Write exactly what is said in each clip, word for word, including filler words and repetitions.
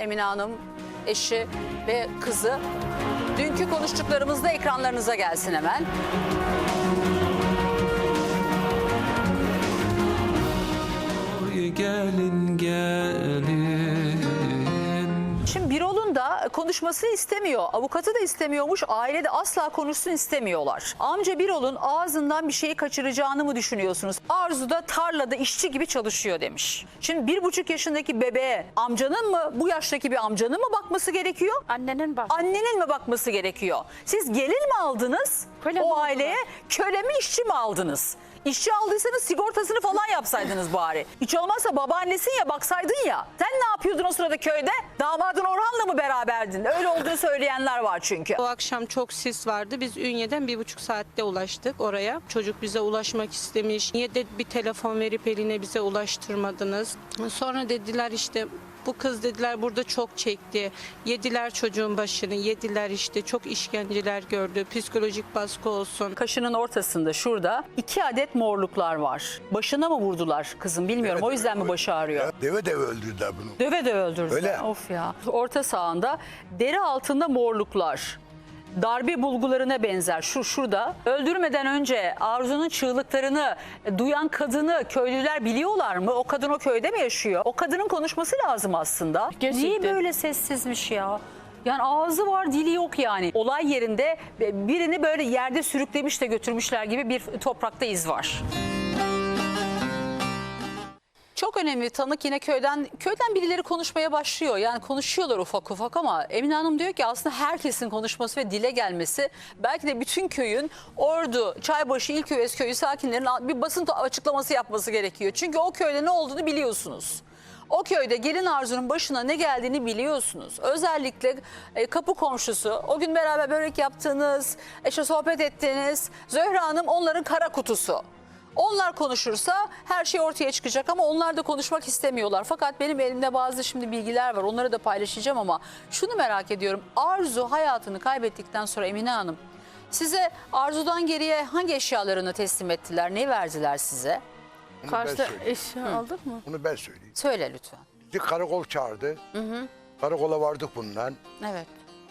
Emine Hanım, eşi ve kızı. Dünkü konuştuklarımız da ekranlarınıza gelsin hemen. Gelin gelin. Şimdi Birol'un da konuşmasını istemiyor. Avukatı da istemiyormuş. Ailede asla konuşsun istemiyorlar. Amca Birol'un ağzından bir şeyi kaçıracağını mı düşünüyorsunuz? Arzu da tarlada işçi gibi çalışıyor demiş. Şimdi bir buçuk yaşındaki bebeğe amcanın mı, bu yaştaki bir amcanın mı bakması gerekiyor? Annenin bak. Annenin mi bakması gerekiyor? Siz gelin mi aldınız Köle mi o aldılar? aileye? Köle mi, işçi mi aldınız? İşçi aldıysanız sigortasını falan yapsaydınız bari. Hiç olmazsa babaannesin ya, baksaydın ya. Sen ne yapıyordun o sırada köyde? Damadın Orhan'la mı beraberdin? Öyle olduğunu söyleyenler var çünkü. O akşam çok sis vardı. Biz Ünye'den bir buçuk saatte ulaştık oraya. Çocuk bize ulaşmak istemiş. Niye de bir telefon verip eline bize ulaştırmadınız? Sonra dediler işte bu kız dediler burada çok çekti. Yediler çocuğun başını, yediler işte çok işkenceler gördü. Psikolojik baskı olsun. Kaşının ortasında şurada iki adet morluklar var. Başına mı vurdular kızım bilmiyorum. Evet, o yüzden mi başı ağrıyor? Deve deve öldürdüler bunu. Döve döve öldürdüler. Öyle. Of ya. Orta sağında deri altında morluklar. Darbe bulgularına benzer. Şu şurada. Öldürmeden önce Arzu'nun çığlıklarını duyan kadını köylüler biliyorlar mı? O kadın o köyde mi yaşıyor? O kadının konuşması lazım aslında. Gerçekten. Niye böyle sessizmiş ya? Yani ağzı var, dili yok yani. Olay yerinde birini böyle yerde sürüklemiş de götürmüşler gibi bir toprakta iz var. Çok önemli tanık yine köyden köyden birileri konuşmaya başlıyor. Yani konuşuyorlar ufak ufak ama Emine Hanım diyor ki aslında herkesin konuşması ve dile gelmesi belki de bütün köyün Ordu, Çaybaşı, İlköves köyü sakinlerinin bir basın açıklaması yapması gerekiyor. Çünkü o köyde ne olduğunu biliyorsunuz. O köyde gelin Arzu'nun başına ne geldiğini biliyorsunuz. Özellikle e, kapı komşusu, o gün beraber börek yaptığınız, işte sohbet ettiğiniz Zöhra Hanım onların kara kutusu. Onlar konuşursa her şey ortaya çıkacak ama onlar da konuşmak istemiyorlar. Fakat benim elimde bazı şimdi bilgiler var. Onları da paylaşacağım ama şunu merak ediyorum. Arzu hayatını kaybettikten sonra Emine Hanım size Arzu'dan geriye hangi eşyalarını teslim ettiler? Ne verdiler size? Bunu ben Karşıda söyleyeyim. eşya aldık mı? Bunu ben söyleyeyim. Söyle lütfen. Bizi karakol çağırdı. Hı hı. Karakola vardık bundan. Evet.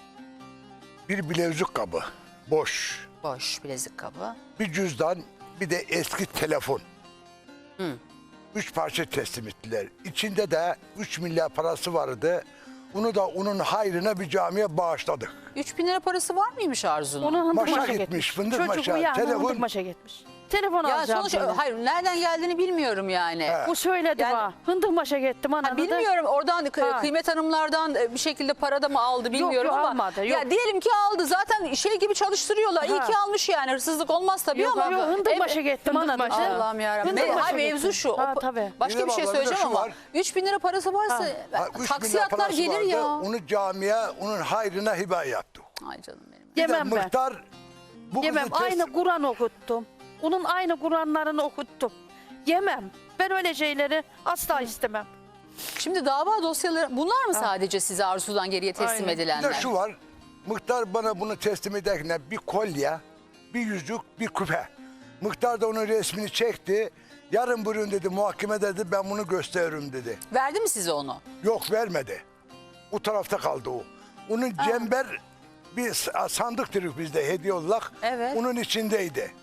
Bir bilezik kabı. Boş. Boş bilezik kabı. Bir cüzdan. Bir de eski telefon. Hı. Üç parça teslim ettiler. İçinde de üç milyar parası vardı. Bunu da onun hayrına bir camiye bağışladık. üç bin lira parası var mıymış Arzu'nun? Onu hındık Maşa maşa gitmiş, gitmiş. fındık Çocuk maşa, uyandı telefon. hındık maşa gitmiş. Telefon Ya alacağım. sonuç dedi. hayır nereden geldiğini bilmiyorum yani. He. Bu söyledi Yani- bana. Hındık maşa gittim Ha, ananı da. bilmiyorum oradan kı- Ha. kıymet hanımlardan e, bir şekilde para da mı aldı bilmiyorum yok, ama almadı, ya yok. diyelim ki aldı zaten şey gibi çalıştırıyorlar. İyi Ha. ki almış yani hırsızlık olmaz tabii Yok, ama. yok, hındık Evet. maşa gittim Hındık ananı maşa. da. Allah'ım yarabbim. Hındık Me- maşa Hayır mevzu gittim. şu. Ha, O- tabii. Başka Bir de bir şey bak, söyleyeceğim orada şu ama var. üç bin lira parası varsa Ha, üç milyar taksiyatlar parası gelir vardı. ya. Onu camiye, onun hayrına hibe yaptık. Ay canım benim. Bir Yemem de ben. muhtar bu Yemem. kızı teslim- Aynı Kur'an okuttum. Onun aynı Kur'anlarını okuttum. Yemem. Ben öyle şeyleri asla istemem. Şimdi dava dosyaları bunlar mı sadece size Arzu'dan geriye teslim Aynen. Bir edilenler? de şu var. Muhtar bana bunu teslim ederken bir kolye, bir yüzük, bir küpe. Muhtar da onun resmini çekti. Yarın bugün dedi muhakeme dedi ben bunu gösteririm dedi. Verdi mi size onu? Yok vermedi. O tarafta kaldı o. Onun cember bir s- sandık dedik bizde hediye olarak. Evet. Onun içindeydi.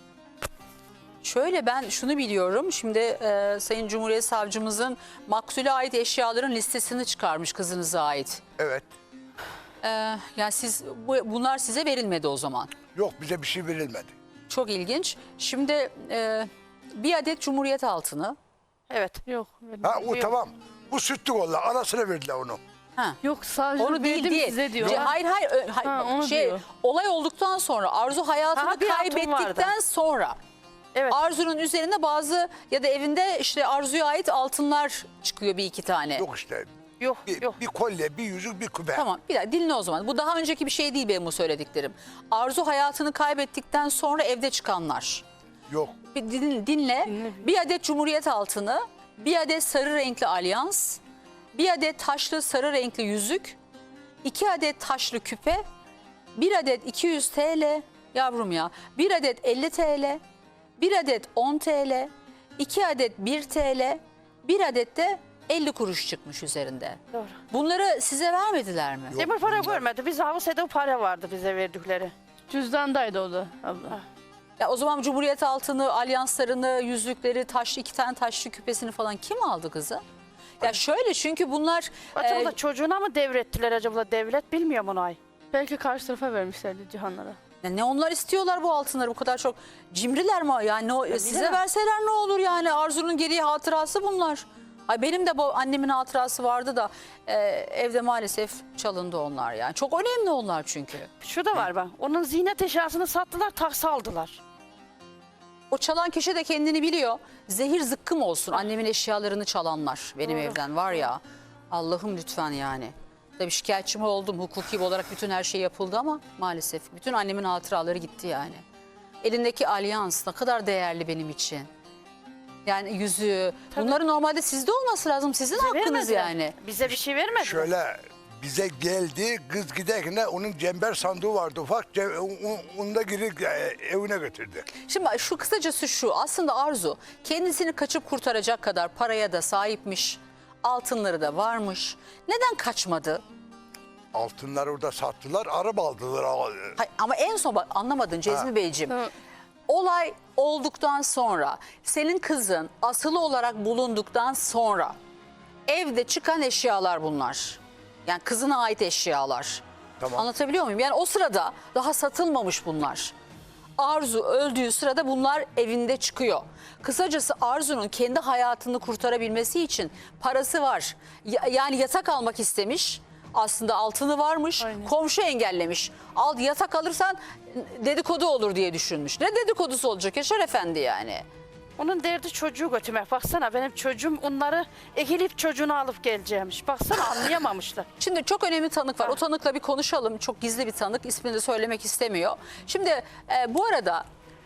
Şöyle ben şunu biliyorum. Şimdi e, Sayın Cumhuriyet Savcımızın maktule ait eşyaların listesini çıkarmış kızınıza ait. Evet. E, yani siz bu, bunlar size verilmedi o zaman. Yok bize bir şey verilmedi. Çok ilginç. Şimdi e, bir adet Cumhuriyet altını. Evet. Yok. Ha o yok. tamam. Bu sütlü kolla arasına verdiler onu. Ha. Yok sadece Onu değil verdim değil. size diyor. Ce- Hayır hayır. ö- hayır, Ha, bak, onu şey diyor. olay olduktan sonra Arzu hayatını Ha, bir hatun kaybettikten vardı. sonra Evet. Arzu'nun üzerine bazı ya da evinde işte Arzu'ya ait altınlar çıkıyor bir iki tane. Yok işte. Yok Bir, yok. bir kolye, bir yüzük, bir küpe. Tamam bir dakika dinle o zaman. Bu daha önceki bir şey değil benim bu söylediklerim. Arzu hayatını kaybettikten sonra evde çıkanlar. Yok. Bir din- dinle. Bir adet Cumhuriyet altını, bir adet sarı renkli alyans, bir adet taşlı sarı renkli yüzük, iki adet taşlı küpe, bir adet iki yüz TL, yavrum ya, bir adet elli TL, bir adet on TL, iki adet bir TL, bir adet de elli kuruş çıkmış üzerinde. Doğru. Bunları size vermediler mi? Demir para bunlar- görmedi. Biz Havuse'de para vardı bize verdikleri. Cüzdandaydı o da abla. Ya o zaman Cumhuriyet altını, alyanslarını, yüzükleri, taşlı iki tane taşlı küpesini falan kim aldı kızı? Ya şöyle, çünkü bunlar Acaba e, çocuğuna mı devrettiler acaba devlet, bilmiyorum onu ay. Belki karşı tarafa vermişlerdi Cihanlara. ya ne onlar istiyorlar bu altınları, bu kadar çok cimriler mi? Yani o, size bilemem. verseler ne olur yani, Arzu'nun geriye hatırası bunlar. Ay benim de bu annemin hatırası vardı da e, evde maalesef çalındı onlar yani. Çok önemli onlar çünkü. Şu da var bak. Onun ziynet eşyasını sattılar, taksa aldılar. O çalan kişi de kendini biliyor. Zehir zıkkım olsun annemin eşyalarını çalanlar benim Doğru. evden var ya. Allah'ım lütfen yani. Tabii şikayetçi mi oldum, hukuki olarak bütün her şey yapıldı ama maalesef bütün annemin hatıraları gitti yani. Elindeki alyans ne kadar değerli benim için. Yani yüzüğü. Bunların normalde sizde olması lazım. Sizin hakkınız Vermediler. yani. Bize bir şey vermediler. Şöyle bize geldi, kız giderken onun cember sandığı vardı ufak, ce- o- onu da geri e, evine götürdü. Şimdi bak, şu kısacası şu, aslında Arzu kendisini kaçıp kurtaracak kadar paraya da sahipmiş. Altınları da varmış. Neden kaçmadı? Altınları orada sattılar, araba aldılar. Hayır, ama en son bak, anlamadın Cezmi Ha. Beyciğim. Tamam. Olay olduktan sonra, senin kızın asılı olarak bulunduktan sonra evde çıkan eşyalar bunlar. Yani kızına ait eşyalar. Tamam. Anlatabiliyor muyum? Yani o sırada daha satılmamış bunlar. Arzu öldüğü sırada bunlar evinde çıkıyor. Kısacası Arzu'nun kendi hayatını kurtarabilmesi için parası var. Ya- yani yatak almak istemiş. Aslında altını varmış. Aynen. Komşu engellemiş. Al, yatak alırsan dedikodu olur diye düşünmüş. Ne dedikodusu olacak Yaşar Efendi yani? Onun derdi çocuğu götürmek. Baksana benim çocuğum onları ekilip çocuğunu alıp geleceğimiş. Baksana anlayamamışlar. Şimdi çok önemli tanık var. O tanıkla bir konuşalım. Çok gizli bir tanık. İsmini de söylemek istemiyor. Şimdi e, bu arada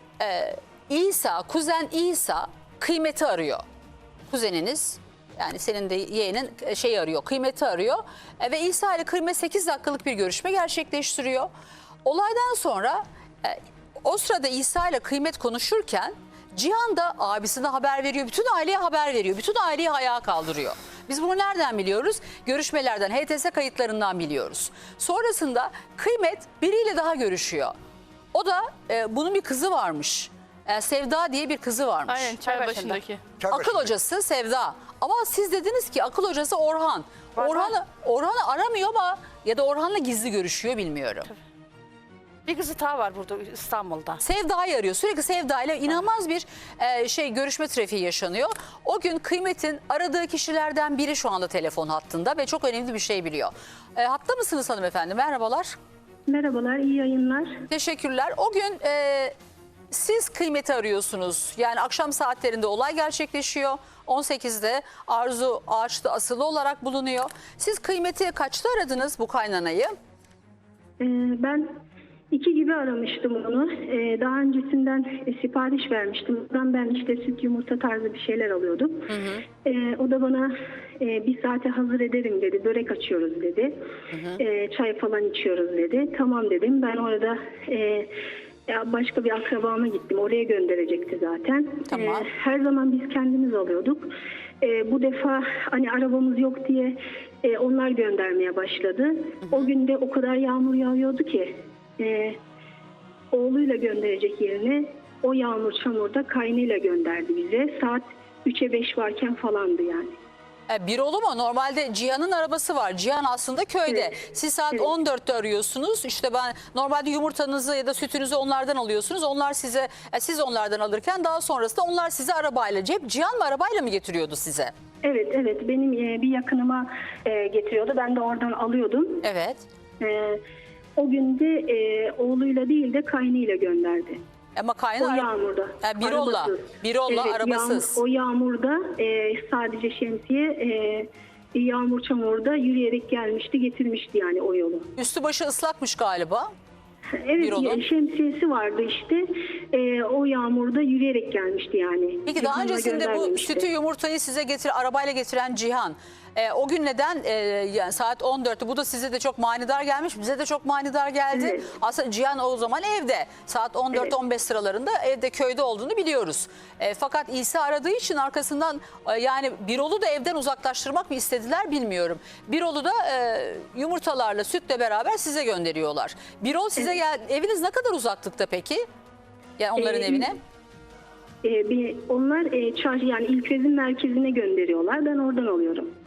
e, İsa, kuzen İsa kıymeti arıyor. Kuzeniniz, yani senin de yeğenin e, şey arıyor, kıymeti arıyor. E, ve İsa ile kıymet sekiz dakikalık bir görüşme gerçekleştiriyor. Olaydan sonra e, o sırada İsa ile kıymet konuşurken Cihan da abisine haber veriyor. Bütün aileye haber veriyor. Bütün aileyi ayağa kaldırıyor. Biz bunu nereden biliyoruz? Görüşmelerden, H T S kayıtlarından biliyoruz. Sonrasında kıymet biriyle daha görüşüyor. O da e, bunun bir kızı varmış. E, Sevda diye bir kızı varmış. Aynen, çay başında. başındaki. Çay Akıl başında. hocası Sevda. Ama siz dediniz ki akıl hocası Orhan. Var, Orhan'ı Orhan'ı aramıyor ama ya da Orhan'la gizli görüşüyor, bilmiyorum. Bir kızı daha var burada İstanbul'da. Sevda'yı arıyor. Sürekli Sevda ile inanılmaz bir e, şey görüşme trafiği yaşanıyor. O gün Kıymet'in aradığı kişilerden biri şu anda telefon hattında ve çok önemli bir şey biliyor. E, hatta mısınız hanımefendi? Merhabalar. Merhabalar, iyi yayınlar. Teşekkürler. O gün e, siz Kıymet'i arıyorsunuz. Yani akşam saatlerinde olay gerçekleşiyor. on sekizde Arzu ağaçta asılı olarak bulunuyor. Siz Kıymet'i kaçta aradınız, bu kaynanayı? Ee, ben iki gibi aramıştım onu. Ee, daha öncesinden e, sipariş vermiştim. Buradan ben işte süt yumurta tarzı bir şeyler alıyordum. Ee, o da bana e, bir saate hazır ederim dedi. Börek açıyoruz dedi. Ee, çay falan içiyoruz dedi. Tamam dedim. Ben orada e, ya başka bir akrabama gittim. Oraya gönderecekti zaten. Tamam. Ee, her zaman biz kendimiz alıyorduk. Ee, bu defa hani arabamız yok diye e, onlar göndermeye başladı. O gün de o kadar yağmur yağıyordu ki e, oğluyla gönderecek yerine o yağmur çamurda kaynıyla gönderdi bize. Saat üçe beş varken falandı yani. E, bir oğlu mu? Normalde Cihan'ın arabası var. Cihan aslında köyde. Evet. Siz saat Evet. on dörtte arıyorsunuz. İşte ben normalde yumurtanızı ya da sütünüzü onlardan alıyorsunuz. Onlar size, e, siz onlardan alırken daha sonrasında onlar size arabayla, cep Cihan mı arabayla mı getiriyordu size? Evet evet benim e, bir yakınıma e, getiriyordu. Ben de oradan alıyordum. Evet. E, o gün de e, oğluyla değil de kaynıyla gönderdi. Ama O kaynar yağmurda. E, Birolla. Arabasız. Birolla, Evet, arabasız. Yağmur, o yağmurda e, sadece şemsiye e, yağmur çamurda yürüyerek gelmişti, getirmişti yani o yolu. Üstü başı ıslakmış galiba. Evet, Birol'un. şemsiyesi vardı işte. E, o yağmurda yürüyerek gelmişti yani. Peki daha Cihan'la öncesinde bu göndermemişti. sütü yumurtayı size getir arabayla getiren Cihan E, o gün neden e, yani saat on dörtte bu da size de çok manidar gelmiş, bize de çok manidar geldi. Evet. Aslında Cihan o zaman evde saat on dört on beş sıralarında evde köyde olduğunu biliyoruz. E, fakat İsa aradığı için arkasından e, yani Birol'u da evden uzaklaştırmak mı istediler bilmiyorum. Birol'u da e, yumurtalarla sütle beraber size gönderiyorlar. Birol size gel, eviniz ne kadar uzaklıkta peki? Yani onların Ee, evine? E, bir, onlar e, çarşı yani İlköz'ün merkezine gönderiyorlar. Ben oradan alıyorum.